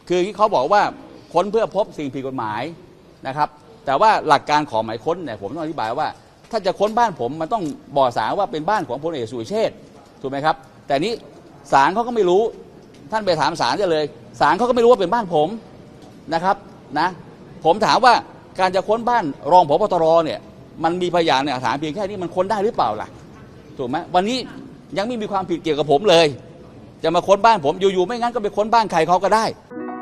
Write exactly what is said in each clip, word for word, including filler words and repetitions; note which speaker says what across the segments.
Speaker 1: คือเขาบอกว่าค้นเพื่อพบสิ่งผิดกฎหมายนะครับแต่ว่าหลักการของหมายค้นเนี่ยผมต้องอธิบายว่าถ้าจะค้นบ้านผมมันต้องบอกศาลว่าเป็นบ้านของพลเอกสุรเชษฐ์ถูกไหมครับแต่นี้ศาลเขาก็ไม่รู้ท่านไปถามศาลได้เลยศาลเขาก็ไม่รู้ว่าเป็นบ้านผมนะครับนะผมถามว่าการจะค้นบ้านรองผบ.ตร.เนี่ยมันมีพยานหลักฐานเพียงแค่นี้มันค้นได้หรือเปล่าล่ะถูกไหมวันนี้ยังไม่มีความผิดเกี่ยวกับผมเลยจะมาค้นบ้านผมอยู่ๆไม่งั้นก็ไปค้นบ้านใครเขาก็ได้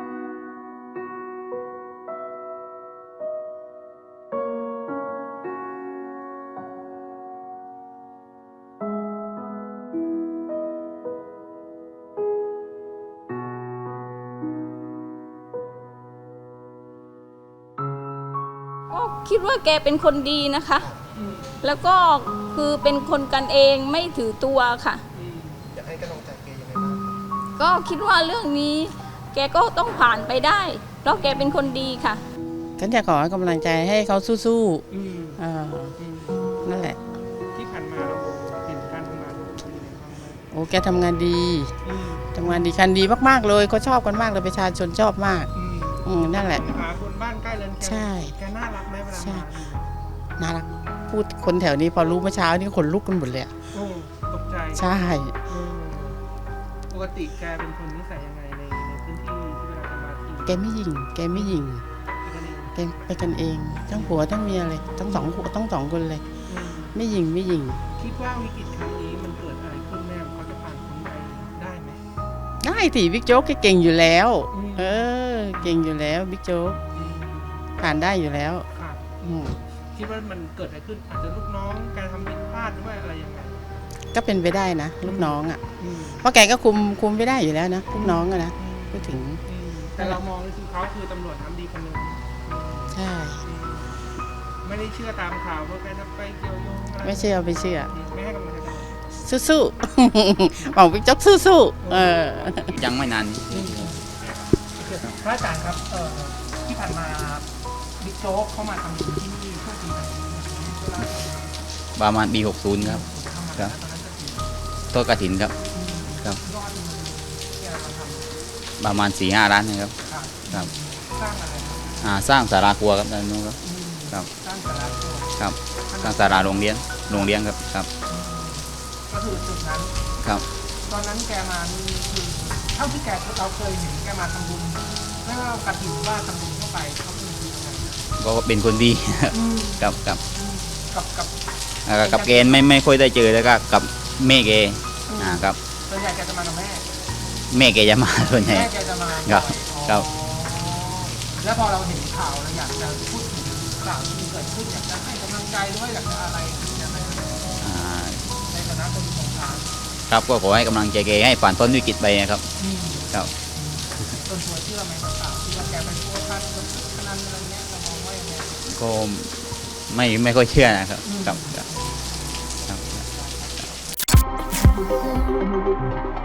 Speaker 2: ก็คิดว่าแกเป็นคนดีนะคะแล้วก็คือเป็นคนกันเองไม่ถือตัวค่ะ
Speaker 3: อยากให้กำลังใจแกยังไงบ้าง
Speaker 2: ก็คิดว่าเรื่องนี้แกก็ต้องผ่านไปได้เพราะแกเป็นคนดีค่ะ
Speaker 4: ฉันจะขอกำลังใจให้เขาสู้ๆอ่านั่นแหละ
Speaker 3: ที่ผ่านมาเราเห็นการทำงาน
Speaker 4: โอ้แกทำงานดีทำงานดีคันดีมากๆเลยเขาชอบกันมากเลยประชาชนชอบมากอืมนั่นแหละ
Speaker 3: หาคนบ้านใกล้เรือนแก
Speaker 4: ใช่
Speaker 3: แกน่ารักไหมเวลามา
Speaker 4: น่ารักพูดคนแถวนี้พอรู้เมื่อเช้านี่ขนลุกกันหมดเลย
Speaker 3: โอ้ตกใจ
Speaker 4: ใช่
Speaker 3: ปกติแกเป็นคนนิสัยยังไงในในพื้นที่ที่เวลาจะมาที่
Speaker 4: แกไม่หยิ่งแกไม่หยิ่งแกไปกันเองทั้งผัวทั้งเมียเลยทั้งสองผัวทั้งสองคนเลยไม่หยิ่งไม่หยิ่ง
Speaker 3: คิดว่าวิกฤตครั้งนี้มันเกิดอะไรขึ้นแน่เขาจะผ่านพ้นไปได้ไหม
Speaker 4: ได้สิบิ๊กโจ๊กแกเก่งอยู่แล้วเออเก่งอยู่แล้วบิ๊กโจ๊กผ่านได้อยู่แล้ว
Speaker 3: คิดว่ามันเกิดอะไรขึ้นอาจจะลูกน้องแกทำผิดพลาดหรือว่าอะไรยังไง
Speaker 4: ก็เป็นไปได้นะลูกน้องอ่ะเพราะแกก็คุมคุมไม่ได้อยู่แล้วนะลูกน้องอะนะพูดถึง
Speaker 3: แต่เรามองคือเขาคือตำรวจทำดีคนหนึ่ง
Speaker 4: ใช่
Speaker 3: ไม่ได้เชื่อตามข่าวเพราะแกจะไปเกี่ยวโยงอะไร
Speaker 4: ไม่เชื่อไม่เชื่อ
Speaker 3: ไม่ให้กำลังใจ
Speaker 4: สู้ๆบอกบิ๊กโจ๊กสู้ๆเออ
Speaker 1: ยังไม่นาน
Speaker 3: พระอาจารย์ครับที่ผ่านมาบิ๊กโจ๊กเข้ามาทำที่นี่ช่วงปีไหน
Speaker 1: ประมาณปีหกสิบครับครับต้นกฐินครับครับประมาณสี่ห้าล้านนะครับครับ
Speaker 3: สร้างอะไร
Speaker 1: อ่าสร้างศาลาครัวครับตอนนู้นครับครับ
Speaker 3: สร้างศาลาครัว
Speaker 1: ครับสร้างศาลาโรงเรียนโรงเรียนครับครับ
Speaker 3: ก็คือจุดนั้น
Speaker 1: ครับ
Speaker 3: ตอนนั้นแกมานี่คือเท่าที่แกเราเคยเห็นแกมาทำบุญไม่ว่ากฐินว่าทำบุญเข้าไปเขาเป็นยังไง
Speaker 1: ก็เป็นคนดีกับกับ
Speaker 3: กับกับ
Speaker 1: กับเกณฑ์ไม่ไม่ค่อยได้เจอแล้วก็กับแม่เกอ่าครับ
Speaker 3: ส่วนใหญ่แกจะมากับแม่
Speaker 1: แม่เกจะมาส่วนใหญ่
Speaker 3: แม่แกจะมา
Speaker 1: ครับครับ
Speaker 3: แล้วพอเราเห็นข่าวเราอยากจะพูดถึงข่าวที่เกิดขึ้นอยากจะให้กำลังใจหรือว่าอยากจะอะไรอยากให้ในฐานะคนสงสาร
Speaker 1: ครับก็ขอให้กำลังใจแกให้ผ่านพ้นวิกฤตไปนะครับครับ
Speaker 3: ส่วนตัวเชื่อไหมข่าวที่ว่าแกไปพัวพันพนันอะไรเงี้ยเรามองว่ายังไง
Speaker 1: ก็ไม่ไม่ค่อยเชื่อนะครับครับครับ